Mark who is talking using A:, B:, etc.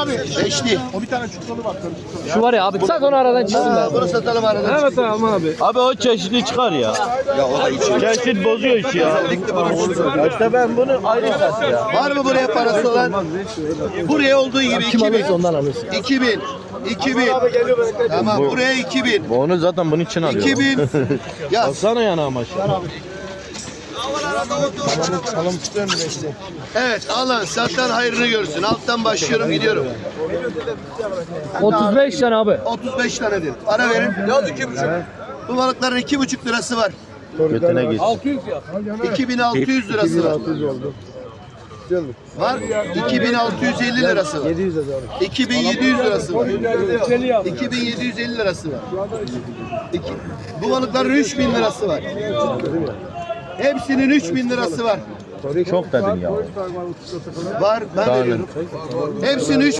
A: abi.
B: Beşli.
A: O bir tane çukurlu bak.
C: Şu var ya abi sat onu aradan çıksın
B: Bunu satalım aradan.
C: Evet tamam abi.
D: Abi o çeşitli çıkar ya. Çeşit bozuyor işi ya. Ya işte ben bunu ayrı sat ya.
B: Var mı buraya parası olan? Buraya olduğu gibi 2000.
C: Ondan alırsın.
B: 2000. 2000. Tamam buraya 2000.
D: Onu zaten bunun için alıyorum.
B: 2000. Yaz.
D: Baksana yana amaç.
A: Salam tutuyor mu beşli?
B: Evet alan satan hayrını görsün. Alttan başlıyorum gidiyorum.
C: 35 tane abi.
B: 35 tanedir. Ara verin. Yaz 2,5. Bu balıkların 2,5 lirası var.
D: Götüne git.
B: 2600 lirası var.
A: 600 oldu. Güzel mi?
B: Var. 2650 lirası var.
A: 700 de doğru.
B: 2700 lirası var. 2750 lirası var. Bu balıkların 3000 lirası var. Hepsinin 3000 lirası var.
D: Çok dedin ya.
B: Var ben veriyorum. Hepsinin 3000